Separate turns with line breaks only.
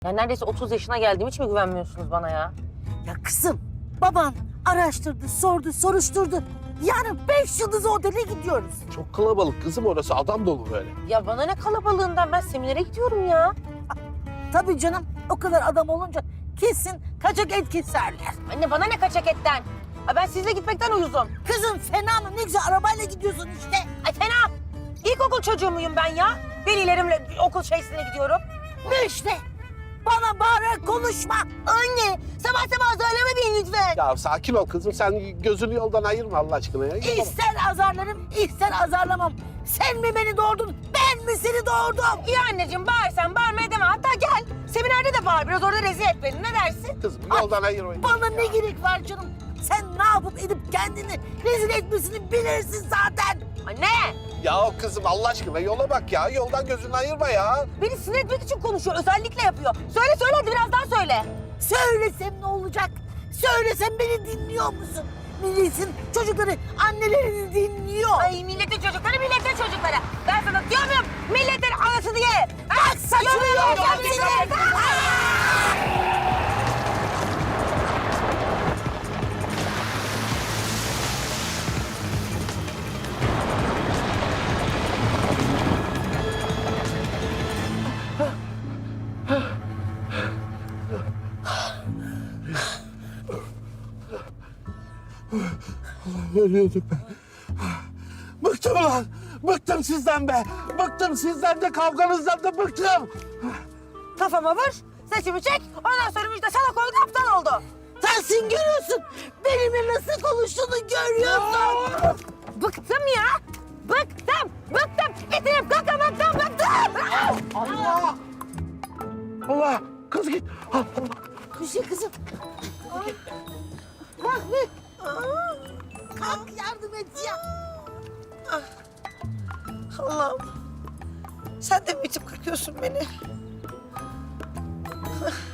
Ya neredeyse 30 yaşına geldim. Hiç mi güvenmiyorsunuz bana ya?
Ya kızım, baban araştırdı, sordu, soruşturdu. Yarın 5 yıldız otele gidiyoruz.
Çok kalabalık kızım orası. Adam dolu böyle.
Ya bana ne kalabalığından? Ben seminere gidiyorum ya.
Tabii canım, o kadar adam olunca kesin kaçak et keserler.
Anne bana ne kaçak etten? Ay ben sizle gitmekten uyuzum.
Kızım fena mı? Ne güzel arabayla gidiyorsun işte.
Ay fena. İlkokul çocuğu muyum ben ya? Velilerimle okul şeysine gidiyorum.
Ne işte? Bana bağırarak konuşma.
Anne sabah sabah söyleme beni lütfen.
Ya sakin ol kızım. Sen gözünü yoldan ayırma Allah aşkına ya.
İster azarlarım, ister azarlamam. Sen mi beni doğurdun, ben mi seni doğurdum?
İyi anneciğim bağırsan bağırmaya deme. Hatta gel seminerde de bağır biraz orada rezil et beni. Ne dersin?
Kızım yoldan ayırma.
Bana ne gerek var canım? Sen ne yapıp edip kendini rezil etmesini bilirsin zaten.
Anne
Ya kızım Allah aşkına yola bak ya. Yoldan gözünü ayırma ya.
beni sinir etmek için konuşuyor. Özellikle yapıyor. Söyle söyle hadi biraz daha söyle.
Söylesem ne olacak? Söylesem beni dinliyor musun? Milletin çocukları annelerini dinliyor.
Ay milletin çocukları milletin çocukları. Ben sana diyor muyum milletin anası diye?
Bak saçını yolacağım seni.
Ölüyordum ben. Bıktım ulan. Bıktım sizden be. Bıktım sizden de kavganızdan da bıktım.
Kafama vur, saçımı çek. Ondan sonra müjde salak oldu, aptal oldu.
Sensin görüyorsun. Benimle nasıl konuştuğunu görüyorsun.
Bıktım ya. Bıktım, bıktım. İtilip kalkamaktan bıktım.
Allah! Allah! Kız git. Allah!
Bir şey kızım. Kalk bir. Kalk yardım et ya.
Allah'ım. Sen de mi bitip kırkıyorsun beni?